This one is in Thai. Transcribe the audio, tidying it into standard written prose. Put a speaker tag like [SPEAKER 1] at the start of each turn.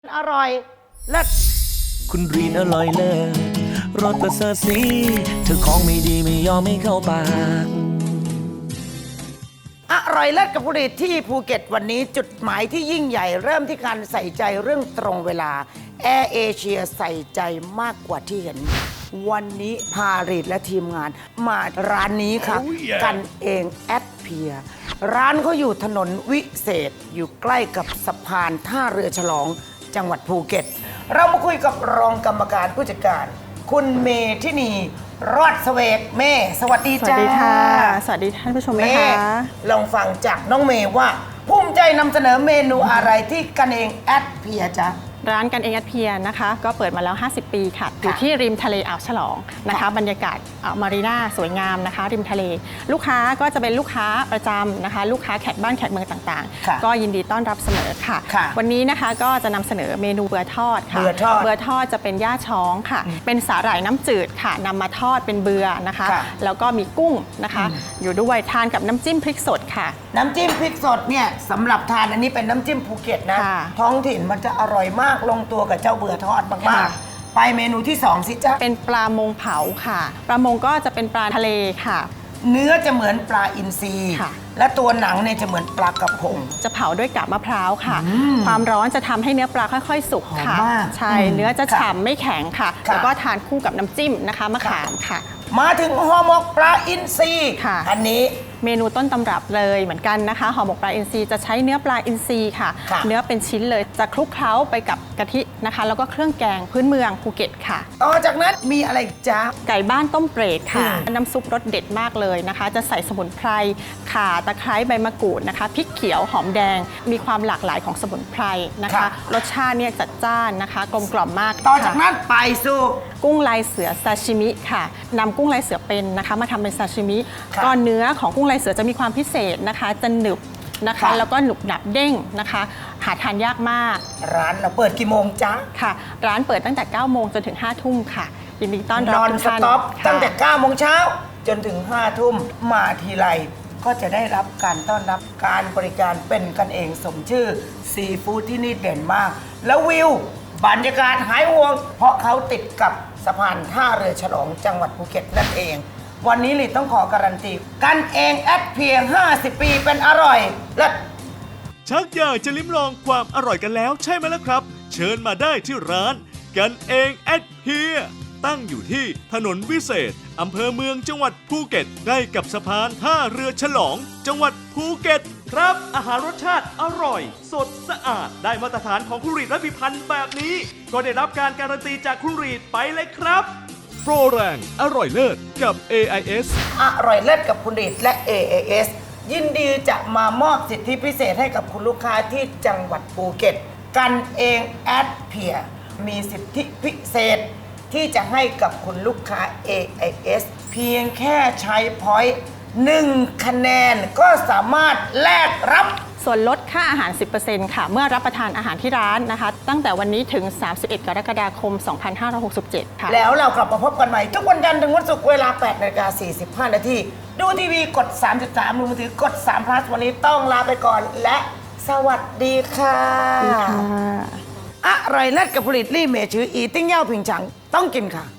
[SPEAKER 1] อร่อยเลิศ
[SPEAKER 2] คุณรีนอร่อยเลิศรสประเสริฐสีเธอของไม่ดีไม่ยอมไม่เข้าปาก
[SPEAKER 1] อร่อยเลิศกับผลิตที่ภูเก็ตวันนี้จุดหมายที่ยิ่งใหญ่เริ่มที่การใส่ใจเรื่องตรงเวลาแอร์เอเชียใส่ใจมากกว่าที่เห็นวันนี้พารีดและทีมงานมาร้านนี้ค่ะ กันเองแอดเพียร้านเขาอยู่ถนนวิเศษอยู่ใกล้กับสะพานท่าเรือฉลองจังหวัดภูเก็ตเรามาคุยกับรองกรรมการผู้จัดการคุณเมธินีรอดเสวกเมย์สวัสดีจ้า
[SPEAKER 3] สวัสดีค่ะ สวัสดีท่านผู้ชมนะคะ
[SPEAKER 1] ลองฟังจากน้องเมย์ว่าภูมิใจนำเสนอเมนูอะไรที่กันเองแอดเพียจ๊ะ
[SPEAKER 3] ร้านกันเองแอดเพียนะคะก็เปิดมาแล้ว 50 ปีค่ะอยู่ที่ริมทะเลอ่าวฉลองนะคะบรรยากาศมารีนาสวยงามนะคะริมทะเลลูกค้าก็จะเป็นลูกค้าประจำนะคะลูกค้าแขกบ้านแขกเมืองต่างๆก็ยินดีต้อนรับเสมอค่ะวันนี้นะคะก็จะนำเสนอเมนูเบือทอดค่ะเบือทอดจะเป็นย่าช้องค่ะเป็นสาหร่ายน้ำจืดค่ะนำมาทอดเป็นเบือนะคะแล้วก็มีกุ้งนะคะอยู่ด้วยทานกับน้ำจิ้มพริกสดค่ะ
[SPEAKER 1] น้ำจิ้มพริกสดเนี่ยสำหรับทานอันนี้เป็นน้ำจิ้มภูเก็ตนะท้องถิ่นมันจะอร่อยมากลงตัวกับเจ้าเบือทอดมากๆไปเมนูที่2สิจ๊ะ
[SPEAKER 3] เป็นปลามงเผาค่ะปลามงก็จะเป็นปลาทะเลค่ะ
[SPEAKER 1] เนื้อจะเหมือนปลาอินทรีและตัวหนังเนี่ยจะเหมือนปลากระพง
[SPEAKER 3] จะเผาด้วยกาบมะพร้าวค่ะความร้อนจะทำให้เนื้อปลาค่อยๆสุกค่ะใช่เนื้อจะฉ่ำไม่แข็งค่ะแล้วก็ทานคู่กับน้ำจิ้มนะคะมะขามค่ะ
[SPEAKER 1] มาถึงห่อหมกปลาอินทรีอันนี้
[SPEAKER 3] เมนูต้นตำรับเลยเหมือนกันนะคะห่อหมกปลาอินทรีจะใช้เนื้อปลาอินทรีค่ะเนื้อเป็นชิ้นเลยจะคลุกเคล้าไปกับกะทินะคะแล้วก็เครื่องแกงพื้นเมืองภูเก็ตค่ะ
[SPEAKER 1] ต่อจากนั้นมีอะไรจ๊ะ
[SPEAKER 3] ไก่บ้านต้มเปรตค่ะน้ำซุปรสเด็ดมากเลยนะคะจะใส่สมุนไพรข่าตะไคร้ใบมะกรูดนะคะพริกเขียวหอมแดงมีความหลากหลายของสมุนไพรนะคะรสชาติเนี่ยจัดจ้านนะคะกลมกล่อมมาก
[SPEAKER 1] ต่อจากนั้นไปสู่
[SPEAKER 3] กุ้งลายเสือซาชิมิค่ะนำกุ้งลายเสือเป็นนะคะมาทำเป็นซาชิมิก็เนื้อของกุ้งลายเสือจะมีความพิเศษนะคะจะหนึบนะคะแล้วก็หนุบหนับเด้งนะคะหาทานยากมาก
[SPEAKER 1] ร้านเราเปิดกี่โมงจ๊ะ
[SPEAKER 3] ค่ะร้านเปิดตั้งแต่9โมงจนถึง5ทุ่มค่ะยินดีต้อนรับทุกท่าน
[SPEAKER 1] ตั้งแต่9โมงเช้าจนถึง5ทุ่มมาทีไรก็จะได้รับการต้อนรับการบริการเป็นกันเองสมชื่อซีฟู้ดที่นี่เด่นมากแล้ววิวบรรยากาศหายห่วงเพราะเขาติดกับสะพานท่าเรือฉลองจังหวัดภูเก็ตนั่นเองวันนี้ลิต้องขอการันตีกันเองแอดเพียง50 ปีเป็นอร่อยและ
[SPEAKER 4] ชักอยากจะลิ้มลองความอร่อยกันแล้วใช่ไหมล่ะครับเชิญมาได้ที่ร้านกันเองแอดเพียตั้งอยู่ที่ถนนวิเศษอำเภอเมืองจังหวัดภูเก็ตใกล้กับสะพานท่าเรือฉลองจังหวัดภูเก็ตครับอาหารรสชาติอร่อยสดสะอาดได้มาตรฐานของคุณรีดและพิพันธ์แบบนี้ก็ได้รับการการันตีจากคุณรีดไปเลยครับโปรแรงอร่อยเลิศกับ AIS
[SPEAKER 1] อร่อยเลิศกับคุณรีดและ AIS ยินดีจะมามอบสิทธิพิเศษให้กับคุณลูกค้าที่จังหวัดภูเก็ตกันเองแอดเพียมีสิทธิพิเศษที่จะให้กับคุณลูกค้า AIS เพียงแค่ใช้พอยต์1คะแนนก็สามารถแลกรับ
[SPEAKER 3] ส่วนลดค่าอาหาร 10% ค่ะเมื่อรับประทานอาหารที่ร้านนะคะตั้งแต่วันนี้ถึง31 กรกฎาคม 2567 ค่ะ
[SPEAKER 1] แล้วเรากลับมาพบกันใหม่ทุกวันจันทร์ถึงวันศุกร์เวลา 8:45 น.ดูทีวีกด 33 ดูมือถือกด3 plus วันนี้ต้องลาไปก่อนและสวัสดีค่ะอร่อยเลิศกับผลิตลี่เมชื่ออีติ้งเย่าผิงฉังต้องกินค่ะ